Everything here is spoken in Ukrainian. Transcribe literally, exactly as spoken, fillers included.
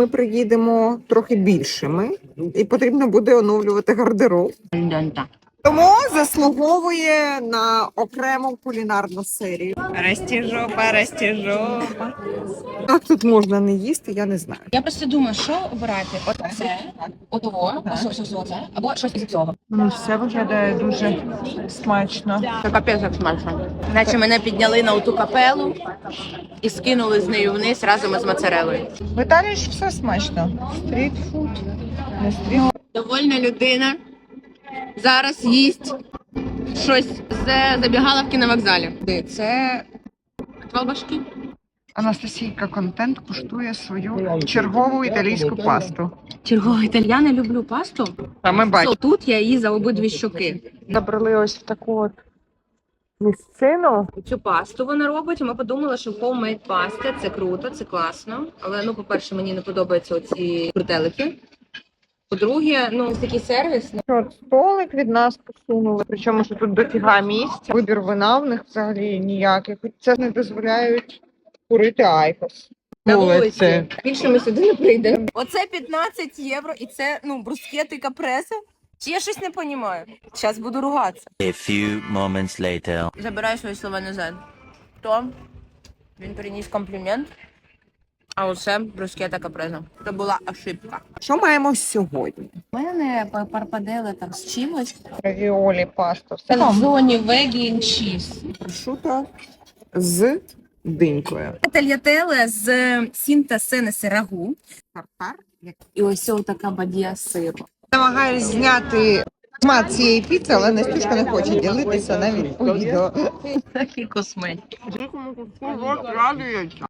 Ми приїдемо трохи більшими і потрібно буде оновлювати гардероб. Тому заслуговує на окрему кулінарну серію. Растіжопа, растіжопа. Як тут можна не їсти, я не знаю. Я просто думаю, що обирати? Оце, отого, ось ось ось, або щось із цього. Ну, все виглядає дуже смачно. Це капець як смачно. Наче мене підняли на оту капелу і скинули з нею вниз разом із моцарелою. В Італії ж все смачно. Стрітфуд, не стрітфуд. Довольна людина зараз їсть щось з забігаловки на вокзалі. Це колбашки. Анастасійка Контент куштує свою чергову італійську пасту. Черговий італія, не люблю пасту. А ми бачимо. Тут я її за обидві щоки. Забрали ось в таку от місцину. Цю пасту вона робить. Ми подумали, що homemade паста це круто, це класно. Але ну, по-перше, мені не подобаються оці крутелики. По-друге, ну такий сервіс. От столик від нас посунули, причому що тут дофіга місця. Вибір вина в них взагалі ніякий. Хоч це не дозволяють курити айкос. На вулиці. Більше ми сюди не прийдемо. Оце п'ятнадцять євро і це, ну, брускети капреси. Чи я щось не розумію? Зараз буду ругатися. A few moments later. Забираю свої слова назад. То він приніс комплімент, а оце брускета капреза. Це була ошибка. Що маємо сьогодні? У мене парпадели там з чимось. Равіолі, паста, все. Зоні вегі чіз. Прошута з динькою. Тальятеле з сінта сенеси рагу. Тартар. І ось ось така бадія сиру. Намагаюсь зняти смак цієї піци, але Настюшка не хоче ділитися навіть у відео. Такі косметики.